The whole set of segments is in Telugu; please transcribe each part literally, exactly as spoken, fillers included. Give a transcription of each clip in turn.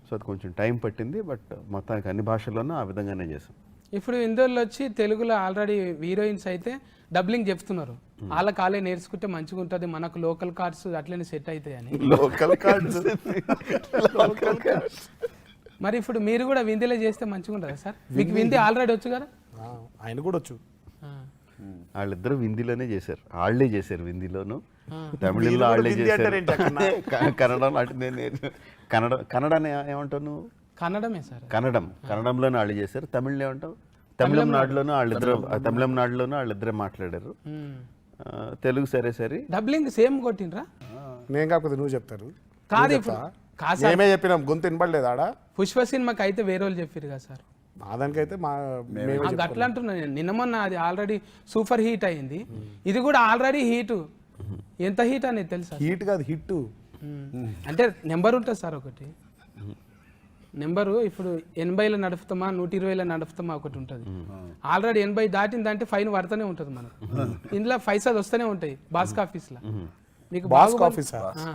సో అది కొంచెం టైం పట్టింది, బట్ మొత్తానికి అన్ని భాషల్లోనూ ఆ విధంగానే చేసాం. ఇప్పుడు ఇందులో వచ్చి తెలుగులో ఆల్రెడీ హీరోయిన్స్ అయితే డబ్లింగ్ చెప్తున్నారు, వాళ్ళ కాలే నేర్చుకుంటే మంచిగా ఉంటుంది, మనకు లోకల్ కార్డ్స్ అట్లనే సెట్ అవుతాయి అని. లోకల్ కార్డ్స్ లోకల్ కార్డ్స్ మరి ఇప్పుడు మీరు కూడా విందీలో చేస్తే మంచిగా ఉంటుందా సార్? మీకు విందీ ఆల్రెడీ వచ్చు కదా? ఆ, ఆయన కూడా వచ్చు. ఆ. వాళ్ళిద్దరూ హిందీలోనే చేశారు, వాళ్ళే చేశారు హిందీలోను, ఆ. తమిళంలో వాళ్ళే హిందీ చేశారు, అంటారేంటి అక్కడ? క- కన్నడం అంటే నేను కన్నడ కన్నడ అని ఏమంటావు నువ్వు? కన్నడమే సార్. కన్నడం కన్నడంలోనే వాళ్ళు చేశారు. తమిళ్లో ఏమంటావు? తమిళనాడులోనూ వాళ్ళిద్దరు తమిళనాడులోనూ వాళ్ళిద్దరే మాట్లాడారు. మ్మ్. ఆ, తెలుగు సరే సరే. డబ్లింగ్ సేమ్ కొట్టినరా? నేను కాకపోతే నువ్వు చెప్తారు. కాదు నువ్వు ఇప్పుడు చెప్తా? కాదు సార్, మేమే చెప్పినాం, గొంతు వినపడలేదు ఆడ. పుష్ప సినిమాకి అయితే వేరే వాళ్ళు చెప్పారు కదా సార్. మా దానికైతే మా మేమే ఆ, అట్లా అంటున్నా నేను. నిన్న మొన్న అది ఆల్రెడీ సూపర్ హీట్ అయింది, ఇది కూడా ఆల్రెడీ హీట్. ఎంత హీట్ అనేది తెలుసా? హీట్ కాదు హిట్. మ్మ్. అంటే నెంబర్ ఉంటుంది సార్ ఒకటి నెంబరు. ఇప్పుడు ఎనభైలో నడుపుతామా నూట ఇరవైలో నడుపుతామా ఒకటి ఉంటుంది. ఆల్రెడీ ఎనభై దాటిందంటే ఫైన్ పడుతూనే ఉంటుంది మనకు. ఇందులో పైసలు వస్తూనే ఉంటాయి బాస్క్ ఆఫీస్లో. మీకు బాస్ బాగుబలి- కాఫీ సార్. ఆ.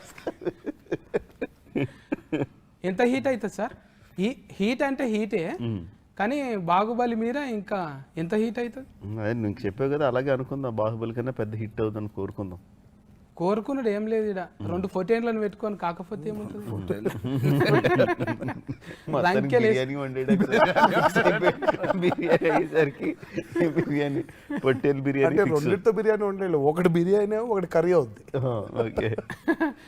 ఎంత హీట్ అవుతుంది సార్? ఈ హీట్ అంటే హీటే, కానీ బాహుబలి మీద ఇంకా ఎంత హీట్ అవుతుంది? అదే నీకు చెప్పావు కదా, అలాగే అనుకుందాం, బాహుబలి కన్నా పెద్ద హిట్ అవుతుందని కోరుకుందాం. కోరుకున్నాడు ఏం లేదు ఇక్కడ, రెండు ఫోర్టీన్లను పెట్టుకొని కాకపోతే ఏముంటుంది? మొత్తానికి లంకెలు వేసి- బిర్యానీ వండేటప్పుడు బిర్యానీ అయ్యేసరికి బిర్యానీ పొట్టేలు బిర్యానీ అంటే fix. రెండింటితో బిర్యానీ వండలేదు, ఒకటి బిర్యానీ ఒకటి కర్రీ అవుద్ది. ఓకే